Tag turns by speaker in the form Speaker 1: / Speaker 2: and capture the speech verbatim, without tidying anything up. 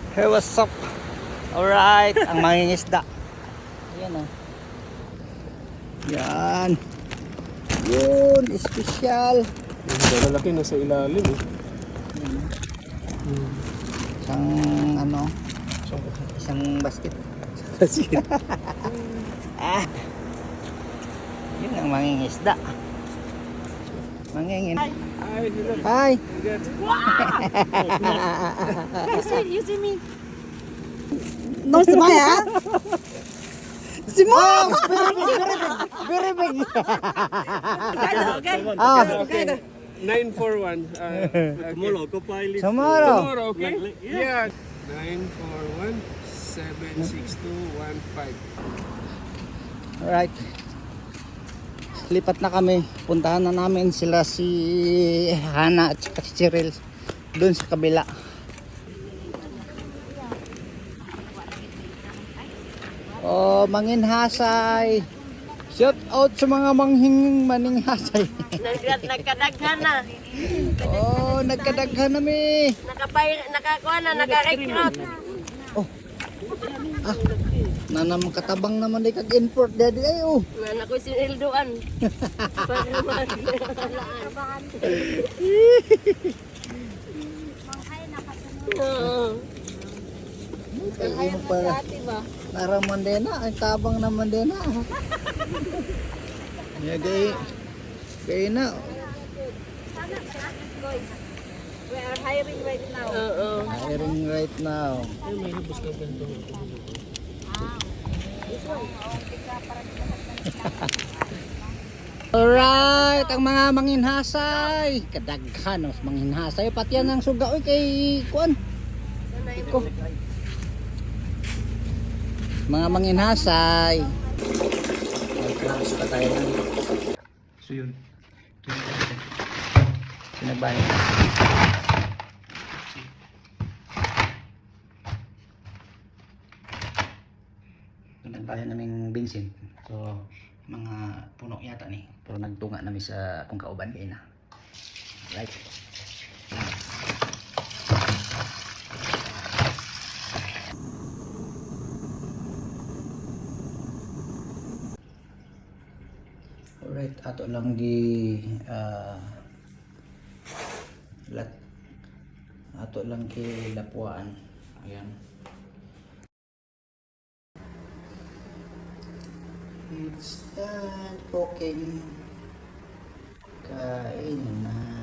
Speaker 1: Hey, what's up? Alright, ang mangingisda. Ayan o. Yan. Yun, espesyal.
Speaker 2: Ang lalaki na sa ilalim eh.
Speaker 1: Isang ano, isang basket.
Speaker 2: Basket.
Speaker 1: Ah. Yun ang mangingisda. Mangingin.
Speaker 2: Ay, hello.
Speaker 1: Hi.
Speaker 3: You see, you see me. No smile, ah? Simon!
Speaker 1: Very big.
Speaker 3: Okay,
Speaker 1: Ah,
Speaker 2: Okay. nine four one. Uh, tomorrow, go pilot.
Speaker 1: tomorrow.
Speaker 2: Tomorrow, okay? Yeah. nine four one, seven six two one five.
Speaker 1: Alright. Lipat na kami. Puntahan na namin sila si Hana at saka si Cheryl doon sa kabila. Oh, manginhasay. Shout out sa mga manghing maninghasay.
Speaker 3: Nag nagkadaghan na.
Speaker 1: Oh, nagkadaghan na mi.
Speaker 3: Nakapay nakakuha na, naka-recruit.
Speaker 1: Ah, nanam katabang naman di kag import daddy ay oh.
Speaker 3: Nan ako sinilduan. Para naman. Oo.
Speaker 1: Ay, para naraman din na, ay tabang naman din na. Ya gay. Gay na.
Speaker 3: We are hiring right now. Oo.
Speaker 1: Hiring right now. Alright, ang mga manginhasay. Kadaghan ang manginhasay. Pati yan ang suga oy kay kuan. Iko. Mga manginhasay. Magkakaroon pa tayo ng so yun. Sinagbalik. Doon tayo naming Vincent. So, mga puno yata ni. Pero nagtunga namin sa kung kauban kayo na. Right. Alright, ato lang gi uh, lat ato lang ki lapuan. Ayan. It's done cooking. Kain na.